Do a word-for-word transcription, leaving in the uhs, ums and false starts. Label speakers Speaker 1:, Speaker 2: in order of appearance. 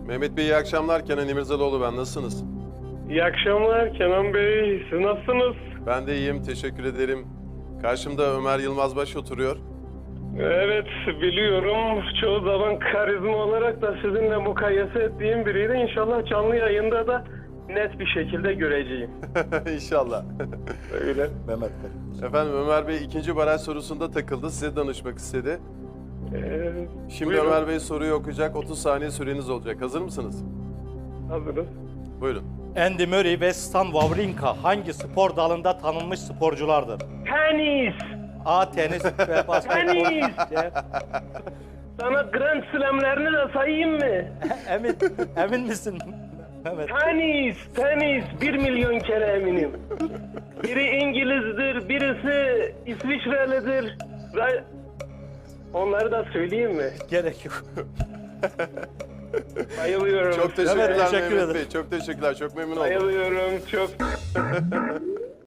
Speaker 1: Mehmet Bey iyi akşamlar. Kenan İmirzalıoğlu ben. Nasılsınız?
Speaker 2: İyi akşamlar Kenan Bey. Siz nasılsınız?
Speaker 1: Ben de iyiyim. Teşekkür ederim. Karşımda Ömer Yılmazbaş oturuyor.
Speaker 2: Evet biliyorum. Çoğu zaman karizma olarak da sizinle mukayese ettiğim biriydi. İnşallah canlı yayında da net bir şekilde göreceğim.
Speaker 1: İnşallah.
Speaker 2: Öyle.
Speaker 3: Mehmet Bey.
Speaker 1: Efendim Ömer Bey ikinci baraj sorusunda takıldı. Size danışmak istedi.
Speaker 2: Ee,
Speaker 1: Şimdi
Speaker 2: buyurun.
Speaker 1: Ömer Bey soruyu okuyacak. otuz saniye süreniz olacak. Hazır mısınız?
Speaker 2: Hazırız.
Speaker 1: Buyurun.
Speaker 3: Andy Murray ve Stan Wawrinka hangi spor dalında tanınmış sporculardır?
Speaker 2: Tenis.
Speaker 3: A. Tenis ve basketbol.
Speaker 2: Tenis.
Speaker 3: C.
Speaker 2: Sana Grand Slam'lerini de sayayım mı?
Speaker 3: Emin, emin misin Mehmet?
Speaker 2: Tenis, tenis. Bir milyon kere eminim. Biri İngiliz'dir, birisi İsviçrelidir. Ve onları da söyleyeyim mi?
Speaker 3: Gerek yok.
Speaker 2: Bayılıyorum.
Speaker 1: Çok teşekkürler
Speaker 3: teşekkür
Speaker 1: Mehmet
Speaker 3: ederim.
Speaker 1: Bey. Çok teşekkürler. Çok memnun oldum.
Speaker 2: Bayılıyorum çok.